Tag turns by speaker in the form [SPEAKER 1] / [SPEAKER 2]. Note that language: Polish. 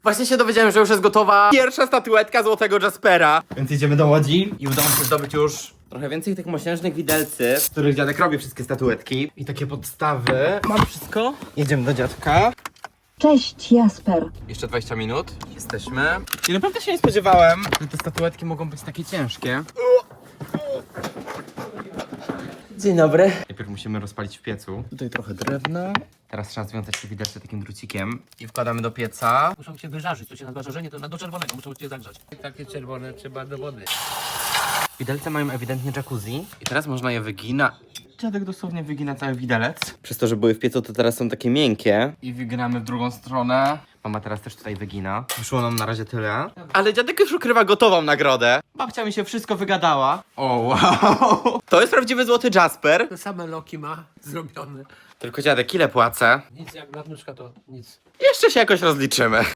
[SPEAKER 1] Właśnie się dowiedziałem, że już jest gotowa pierwsza statuetka złotego Jaspera. Więc idziemy do Łodzi i udało się zdobyć już trochę więcej tych mosiężnych widelcy, z których dziadek robi wszystkie statuetki. I takie podstawy. Mam wszystko. Jedziemy do dziadka.
[SPEAKER 2] Cześć, Jasper.
[SPEAKER 1] Jeszcze 20 minut. Jesteśmy. I naprawdę się nie spodziewałem, że te statuetki mogą być takie ciężkie. Dzień dobry. Najpierw musimy rozpalić w piecu. Tutaj trochę drewna. Teraz trzeba związać te widelce takim drucikiem. I wkładamy do pieca.
[SPEAKER 3] Muszą cię wyżarzyć, to się nazywa żarzenie, to do czerwonego, muszą cię zagrzać. Takie czerwone trzeba do wody.
[SPEAKER 1] Widelce mają ewidentnie jacuzzi. I teraz można je wyginać. Dziadek dosłownie wygina cały widelec. Przez to, że były w piecu, to teraz są takie miękkie. I wyginamy w drugą stronę. Mama teraz też tutaj wygina. Wyszło nam na razie tyle. Ale dziadek już ukrywa gotową nagrodę. Babcia mi się wszystko wygadała. O, wow. To jest prawdziwy złoty Jasper.
[SPEAKER 3] Te same loki ma zrobione.
[SPEAKER 1] Tylko dziadek, ile płacę?
[SPEAKER 3] Nic jak nadmuszka to nic.
[SPEAKER 1] Jeszcze się jakoś rozliczymy.